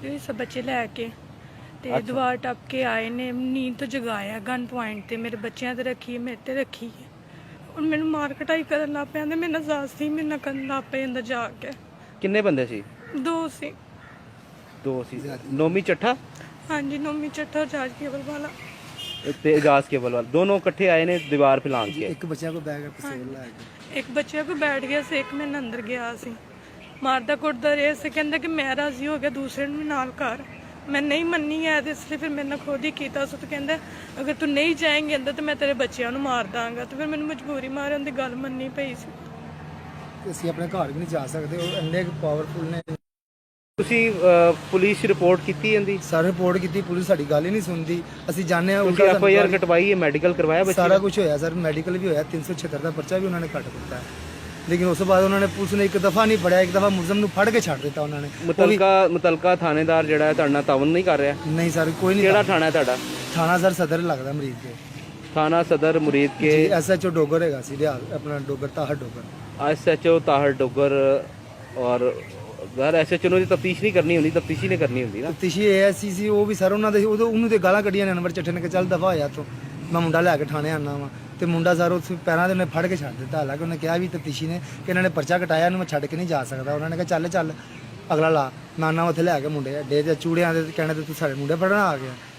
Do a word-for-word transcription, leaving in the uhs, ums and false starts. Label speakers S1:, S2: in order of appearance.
S1: ਹੋਈ सब बच्चे लैके ਤੇ ਦੀਵਾਰ ਟੱਪ ਕੇ ਆਏ ਨੇ, ਨੀਂਦ ਤੋਂ ਜਗਾਇਆ ਗਨ ਪੁਆਇੰਟ ਤੇ ਮੇਰੇ ਬੱਚਿਆਂ ਤੇ ਰੱਖੀ, ਮੇਰੇ ਤੇ ਰੱਖੀ ਹੈ। ਹੁਣ ਮੈਨੂੰ ਮਾਰ ਕਟਾਈ ਕਰਨ ਲੱਗ ਪਿਆ ਤੇ ਮੇਰੇ ਨਾਲ ਜ਼ਾਸਤੀ ਮੇਰੇ ਨਾਲ ਕਰਨ ਲੱਗ ਪਏ ਅੰਦਰ ਜਾ ਕੇ।
S2: ਕਿੰਨੇ ਬੰਦੇ ਸੀ?
S1: ਦੋ ਸੀ।
S2: ਦੋ ਸੀ। ਨੋਮੀ ਚੱਠਾ
S1: ਹਾਂਜੀ, ਨੋਮੀ ਚੱਠਾ ਜਾਜ ਕੇਵਲ ਵਾਲਾ
S2: ਤੇ ਇਜਾਜ਼ ਕੇਵਲ ਵਾਲਾ ਦੋਨੋਂ ਇਕੱਠੇ ਆਏ ਨੇ ਦੀਵਾਰ ਫਿਲਾਣ ਕੇ।
S3: ਇੱਕ ਬੱਚਿਆਂ ਕੋ ਬੈਗ ਪਿਸਤੌਲ ਲੈ ਕੇ
S1: ਇੱਕ ਬੱਚੇ ਕੋ ਬੈਠ ਗਿਆ ਸੀ, ਇੱਕ ਮੇਰੇ ਅੰਦਰ ਗਿਆ ਸੀ। ਮਾਰਦਾ ਕੁੱਟਦਾ ਰਿਹਾ ਸੀ, ਕਹਿੰਦਾ ਕਿ ਮੈਂ ਰਾਜ਼ੀ ਹੋ ਗਿਆ ਦੂਸਰੇ ਨੂੰ ਵੀ ਨਾਲ ਕਰ। ਮੈਂ ਨਹੀਂ ਮੰਨੀ ਹੈ ਤੇ ਇਸ ਲਈ ਫਿਰ ਮੇਰੇ ਨਾਲ ਖੁਦ ਹੀ ਕੀਤਾ ਸੀ। ਤੇ ਕਹਿੰਦਾ ਅਗਰ ਤੂੰ ਨਹੀਂ ਜਾਏਂਗੇ ਅੰਦਰ ਤਾਂ ਮੈਂ ਤੇਰੇ ਬੱਚਿਆਂ ਨੂੰ ਮਾਰ ਦਾਂਗਾ। ਤੇ ਫਿਰ ਮੈਨੂੰ ਮਜਬੂਰੀ ਮਾਰਨ ਦੀ ਗੱਲ ਮੰਨਣੀ ਪਈ ਸੀ।
S3: ਅਸੀਂ ਆਪਣੇ ਘਰ ਵੀ ਨਹੀਂ ਜਾ ਸਕਦੇ, ਉਹ ਇੰਨੇ ਪਾਵਰਫੁਲ ਨੇ।
S2: ਤੁਸੀਂ ਅਹ, ਪੁਲਿਸ ਰਿਪੋਰਟ ਕੀਤੀ ਜਾਂਦੀ?
S3: ਸਾਰੇ ਰਿਪੋਰਟ ਕੀਤੀ, ਪੁਲਿਸ ਸਾਡੀ ਗੱਲ ਹੀ ਨਹੀਂ ਸੁਣਦੀ। ਅਸੀਂ ਜਾਣਦੇ ਹਾਂ
S2: ਤੁਸੀਂ ਐਫ ਆਈ ਆਰ ਕਟਵਾਈ ਹੈ, ਮੈਡੀਕਲ ਕਰਵਾਇਆ ਬੱਚੇ
S3: ਸਾਰਾ ਕੁਝ ਹੋਇਆ ਸਰ, ਮੈਡੀਕਲ ਵੀ ਹੋਇਆ, ਤਿੰਨ ਸੌ ਛਿਹੱਤਰ ਦਾ ਪਰਚਾ ਵੀ ਉਹਨਾਂ ਨੇ ਕੱਟ ਦਿੱਤਾ ਹੈ। ਲੇਕਿਨ ਉਸ ਤੋਂ ਬਾਅਦ ਉਹਨਾਂ ਨੇ ਪੁਲਿਸ ਨੇ ਇੱਕ ਦਫਾ ਨਹੀਂ ਫੜਿਆ, ਇੱਕ ਦਫਾ ਮੁਲਜ਼ਮ ਨੂੰ ਫੜ ਕੇ ਛੱਡ ਦਿੱਤਾ ਉਹਨਾਂ ਨੇ।
S2: ਮੁਤਲਕਾ ਮੁਤਲਕਾ ਥਾਣੇਦਾਰ ਜਿਹੜਾ ਹੈ ਤੁਹਾਡੇ ਨਾਲ ਤਾਵਨ ਨਹੀਂ ਕਰ ਰਿਹਾ?
S3: ਨਹੀਂ ਸਰ, ਕੋਈ ਨਹੀਂ।
S2: ਕਿਹੜਾ ਥਾਣਾ ਹੈ ਤੁਹਾਡਾ?
S3: ਥਾਣਾ ਸਰ ਸਦਰ ਲੱਗਦਾ ਮਰੀਜ਼ ਕੇ।
S2: ਥਾਣਾ Sadar Muridke.
S3: S H O Dogar ਹੈਗਾ ਸੀ, ਰਿਆਲ ਆਪਣਾ Dogar Tahir Dogar.
S2: S H O Tahir Dogar. ਔਰ ਯਾਰ ਐਸ ਐਚ ਓ ਦੀ ਤਫਤੀਸ਼ ਨਹੀਂ ਕਰਨੀ ਹੁੰਦੀ, ਤਫਤੀਸ਼ੀ ਨੇ ਕਰਨੀ ਹੁੰਦੀ ਨਾ।
S3: ਤਫਤੀਸ਼ੀ ਏ ਐਸ ਸੀ ਸੀ, ਉਹ ਵੀ ਸਰ ਉਹਨਾਂ ਦੇ ਉਦੋਂ ਉਹਨੂੰ ਤੇ ਗਾਲਾਂ ਕੱਢੀਆਂ ਨੇ ਅਨਵਰ ਚੱਠੇ ਨੇ ਕਿ ਚੱਲ ਦਫਾ ਹੋਇਆ ਤੂੰ, ਮੈਂ ਮੁੰਡਾ ਲੈ ਕੇ ਥਾਣੇ ਆਣਾ ਵਾ। ਤੇ ਮੁੰਡਾ ਸਰ ਉਸ ਪੈਰਾਂ ਦੇ ਉਹਨੇ ਫੜ ਕੇ ਛੱਡ ਦਿੱਤਾ। ਹਾਲਾਂਕਿ ਉਹਨੇ ਕਿਹਾ ਵੀ ਤਫਤੀਸ਼ੀ ਨੇ ਕਿ ਇਹਨਾਂ ਨੇ ਪਰਚਾ ਕਟਾਇਆ, ਇਹਨੂੰ ਮੈਂ ਛੱਡ ਕੇ ਨਹੀਂ ਜਾ ਸਕਦਾ। ਉਹਨਾਂ ਨੇ ਕਿਹਾ ਚੱਲ ਚੱਲ ਅਗਲਾ ਲਾ। ਨਾਨਾ ਉੱਥੇ ਲੈ ਕੇ ਮੁੰਡੇ ਅੱਡੇ ਤੇ ਚੂੜਿਆਂ ਦੇ ਕਹਿਣੇ ਤੇ ਤੂੰ ਸਾਡੇ ਮੁੰਡੇ ਫੜਨ ਆ ਗਿਆ।